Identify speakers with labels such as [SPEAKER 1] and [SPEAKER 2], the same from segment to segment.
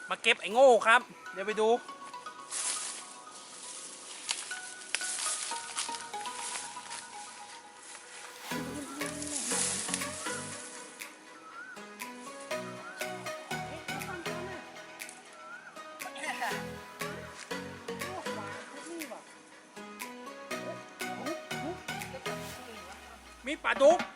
[SPEAKER 1] มาเก็บไอ้โง่ครับเดี๋ยวไปดูมีปลาดุก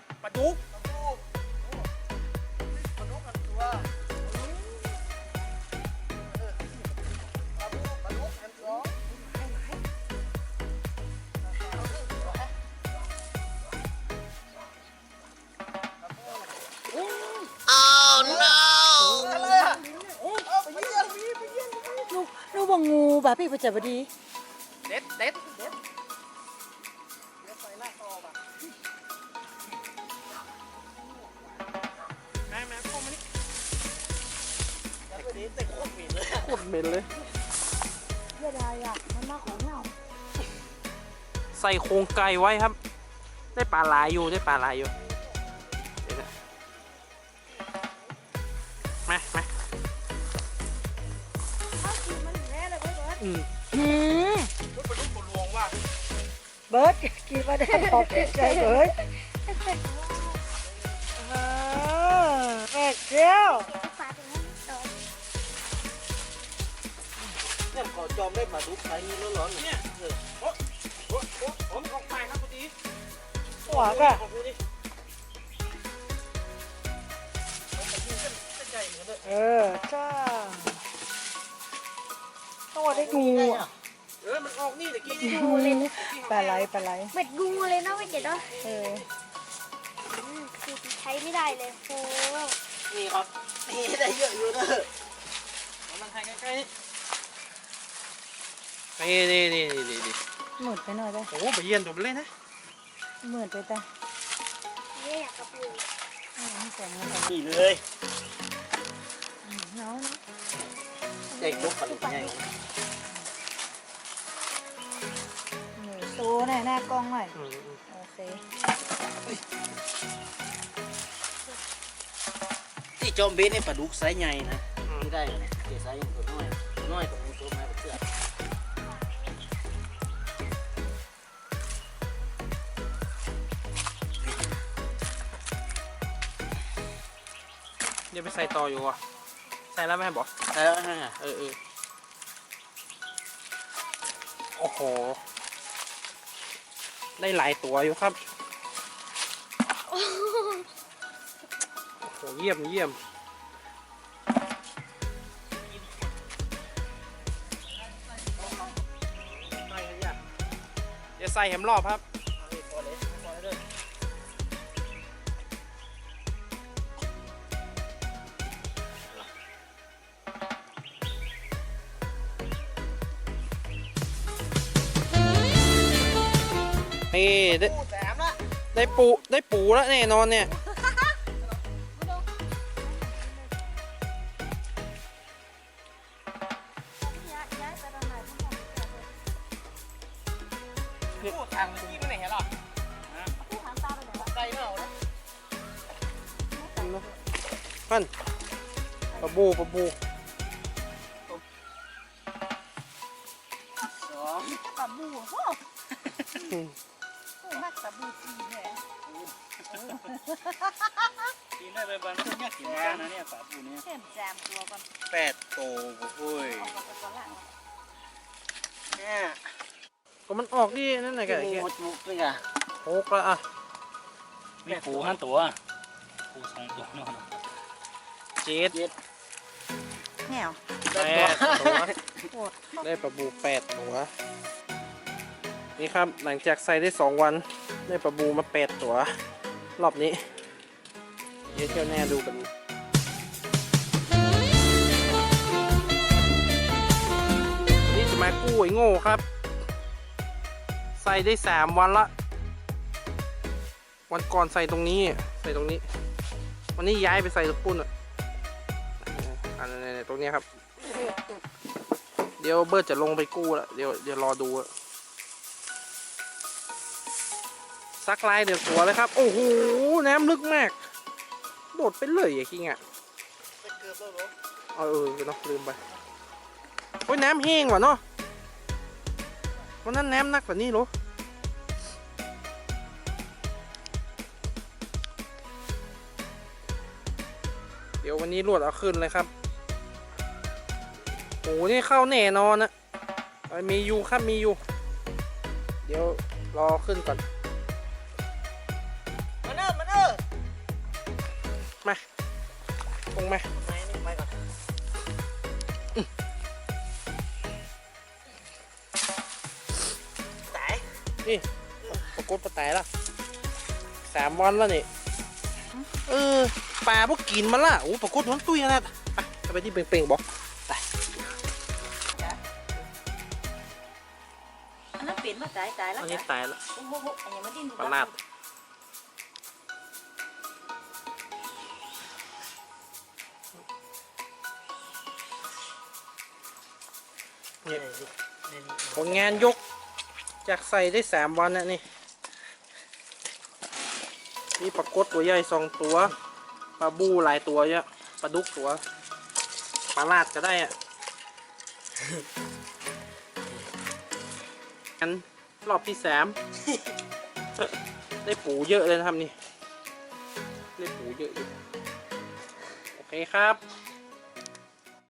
[SPEAKER 2] นูบอกงูบ่ะพี่ประจับดี
[SPEAKER 1] เด็ดแม่เข้ามานี่โคตรเหม็นเลย
[SPEAKER 2] เยอะได้อ่ะมันมาของเรา
[SPEAKER 1] ใส่โครงไก่ไว้ครับได้ปลาลายอยู่เดี๋ยวนะมา
[SPEAKER 2] เบิร์ดกินมาได้ขอบใจเบิร์ดแม่เจ้า
[SPEAKER 3] เนี่ยขอจอมได้มาดูใครนี่ร้อนๆเนี่ย
[SPEAKER 1] ผมออกไปครับพอดี
[SPEAKER 2] หัวก็จ้าต้องได้งูอ่ะ
[SPEAKER 1] มันออกนี่แต่กี้
[SPEAKER 2] งูเลยปลาไหล
[SPEAKER 4] เม็ดงูเลยนะไม่เจ็ดเนาะ
[SPEAKER 2] คือ
[SPEAKER 4] ใช้ไม่ได้เลยโอ้
[SPEAKER 3] นี่ครับนี่ได้เยอะอยู่นะ
[SPEAKER 1] มันถ่ายใกล้ๆนี่
[SPEAKER 2] หมุดไปหน่อยได้
[SPEAKER 1] โอ้ไปเยี่ยนตัวมันเลยนะ
[SPEAKER 2] หมุดไปจ้ะ
[SPEAKER 4] เนี่ยอยากกระปุก
[SPEAKER 3] นี่เลย
[SPEAKER 2] น้อง
[SPEAKER 3] เด็กลุกปันไง
[SPEAKER 2] หนูโซ่หน้ากล้องหน่อยโอเค
[SPEAKER 3] ที่จอมเบสนี่ปลาดุกไซส์ใหญ่นะไม่ได้เนี่ยไซส์ตัวน้อยกับตัวแม่เพื่อน
[SPEAKER 1] เดี๋ยวไปใส่ต่ออยู่อ่ะใส่แล้วแม่บอก
[SPEAKER 3] ใช่แล้วฮะ
[SPEAKER 1] โอ้โหได้หลายตัวอยู่ครับโอ้โหเยี่ยมจะใส่แหมรอบครับนี่ได้ปูแล้วแน่นอนเนี่ยทางที่ไม่ไหนหรอไกลเนาะมันปลาบู
[SPEAKER 2] ปลาบูโอ้มากปลาบูจีแหละ
[SPEAKER 3] กินได้ไปบ้านเนี่ยกินได้นะเนี่ยปลาปูเนี่ย
[SPEAKER 2] เข็มแจมตัวก่อน
[SPEAKER 3] 8 โตโอ้ยเนี่ย
[SPEAKER 1] ก็มันออกดินั่นไงแก
[SPEAKER 3] มุกเลยอ่ะ
[SPEAKER 1] โอ้กละอ่ะ
[SPEAKER 3] มีปู5 ตัวปู2 ตัวเนาะ
[SPEAKER 1] 7
[SPEAKER 2] แหว
[SPEAKER 1] 8 ตัวได้ปลาบู8 ตัวนี่ครับหลังจากใส่ได้2 วันได้ปลาบูมา8 ตัวรอบนี้เดี๋ยวเที่ยวแน่ดูกันนี่จะมากู้ไอ้โง่ครับใส่ได้3 วันละวันก่อนใส่ตรงนี้วันนี้ย้ายไปใส่ตะปุ่นอันนี้ตรงนี้ครับเดี๋ยวเบิร์ดจะลงไปกู้แล้วเดี๋ยวรอดูซักลายเดี๋ยวตัวเลยครับโอ้โหน้ำลึกมากโดดไปเลยอย่างงี้อ่ะเเนาะลืมไปโอ้ยน้ำแห้งว่ะเนาะวันนั้นน้ำนักกว่านี้เหรอเดี๋ยววันนี้รวดเอาขึ้นเลยครับโอ้นี่เข้าแน่นอนนะมีอยู่ครับมีอยู่เดี๋ยวรอขึ้นก่อน
[SPEAKER 3] มาเด้อมาเด้อ
[SPEAKER 1] มาลงมา
[SPEAKER 3] ไม่นี่ไปก่อน ตาย
[SPEAKER 1] นี่ปรากฏปลาไตละ3 วันแล้วนี่ปลาพวกกินมาละโอ้ปรากฏน้องตุ้ยนะไปที่เป่งๆบอก
[SPEAKER 2] อันนั้นเปลี่ยนมาตายแล้ว
[SPEAKER 1] อันนี้ตายแล้ว
[SPEAKER 2] โอ้โหอันนี้มาดิ้น
[SPEAKER 1] ปลาลาดผลงานยกจากใส่ได้3 วันนะนี่นี่ปลากดตัวใหญ่2 ตัวปลาบูหลายตัวเยอะปลาดุกตัวปลาลาดก็ได้อะงั้นรอบที่ 3 ได้ปูเยอะเลยนะครับนี่ได้ปูเยอะอยู่โอเคครับ